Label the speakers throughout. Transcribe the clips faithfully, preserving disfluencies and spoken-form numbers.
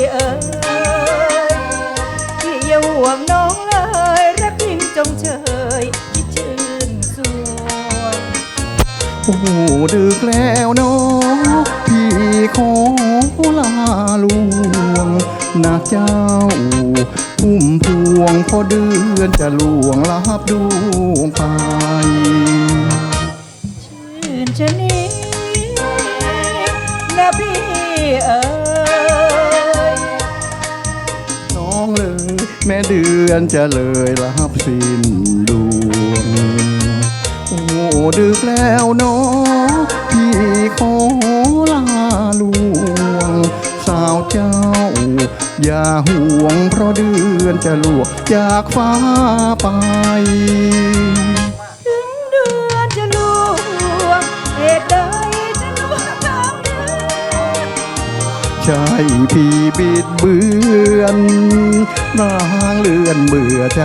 Speaker 1: เอ๋ยพี่อย่าห่วงน้องเลยรักยิ่งจงเชยคิดชื่นสวง
Speaker 2: โอ้ดึกแล้วน้องพี่ขอลาลวงนะเจ้าพุ่มพวงพอเดือนจะลวงลับดวงไป
Speaker 1: ชื่นชะนี้นะพี่เอ๋ย
Speaker 2: น้องเลยแม่เดือนจะเลยลับสิ้นดวงโอ้ดึกแล้วน้องพี่ขอลาลวงสาวเจ้าอย่าห่วงเพราะเดือนจะลวงจากฟ้าไป
Speaker 1: ถึงเดือนจะลวงเหตุใดจะลวงทางเดิน
Speaker 2: ใช่พี่บิดเบือนนางเลือนเบื่อใจ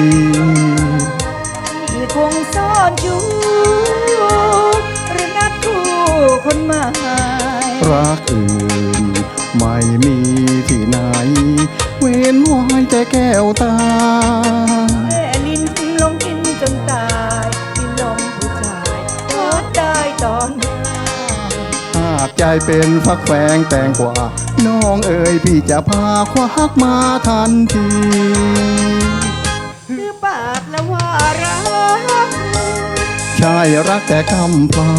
Speaker 1: ที่คงซ่อนอยู่หรือนัดคู่คนใหม่
Speaker 2: รักอื่นไม่มีที่ไหนเว้นไว้แต่แก้วตา
Speaker 1: แม่ลิ้นลงกินจนตายกินลมผู้ชายทอดได้ตอน
Speaker 2: หากใจเป็นฟักแฟงแตงกว่าน้องเอ๋ยพี่จะพาควักมาทันที
Speaker 1: คือปากแล้วว่ารัก
Speaker 2: ใช่รักแต่คำพร่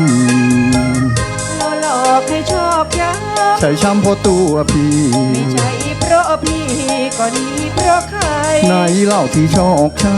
Speaker 1: ำหลอกให้ชอบย้ำ
Speaker 2: ใช่ช้ำเพราะตัวพี่
Speaker 1: ไม่ใช่เพราะพี่ก็ดีเพราะใคร
Speaker 2: ไหนเล่าที่ชอกช้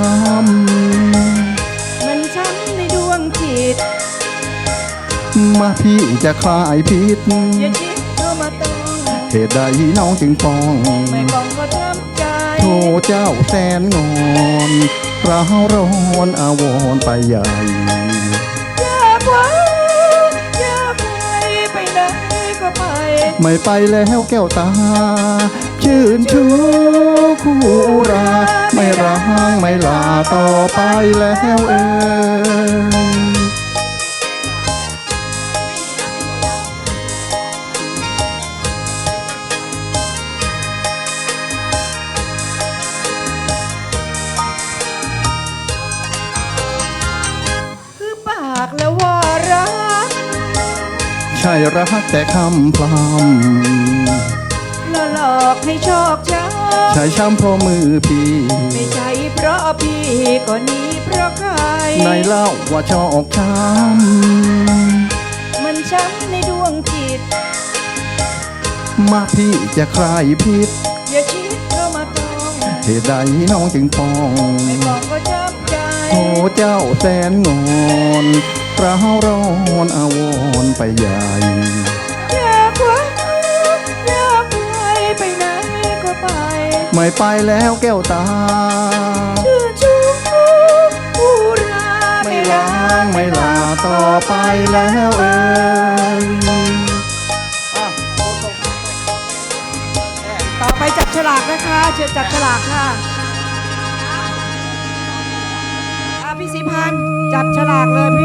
Speaker 1: ำมันช้ำในดวงจิต
Speaker 2: มาพี่จะคลายพิษ
Speaker 1: อย่าคิดเข้ามาต้อง
Speaker 2: เหตุใดน้องจึงฟ้อง
Speaker 1: ไม่ฟ้องก็ทำใจ
Speaker 2: โทเจ้าแสนงอนร้าวร้อนอาวรไปใหญ่
Speaker 1: อยากไว้อยากไปไปไหนก็ไป
Speaker 2: ไม่ไปแล้วแก้วตาชื่นชูคู่ราไม่ร้างไม่ลาต่อไปแล้วเอ่ย
Speaker 1: แล้วว่ารัก
Speaker 2: ใช่รักแต่คำพร่ำ
Speaker 1: หลอกให้ชอกช้ำ
Speaker 2: ใช่ช้ำเพราะมือพี่
Speaker 1: ไม่ใช่เพราะพี่ก็นี้เพราะใคร
Speaker 2: ในเล่าว่าชอกช้
Speaker 1: ำมันช้ำในดวงจิต
Speaker 2: มาพี่จะคลายพิษ
Speaker 1: อย่าคิดเข้ามาต้อง
Speaker 2: เหตุใดน้องจึงฟ้อง
Speaker 1: ไม่ฟ้องก็ช้ำใจ
Speaker 2: โอ้เจ้าแสนงอนร้าวร้อนอาวรไปใหญ่
Speaker 1: อยากไว้อยากไปไปไหนก็ไป
Speaker 2: ไม่ไปแล้วแก้วตา
Speaker 1: ชื่นชูผู้รา
Speaker 2: ไม่ล้างไม่ลาต่อไปแล้วเอ่ย
Speaker 1: ต่อไปจับฉลากนะคะเชิญจับฉลากค่ะพี่ศรีพันธ์จับฉลากเลยพี่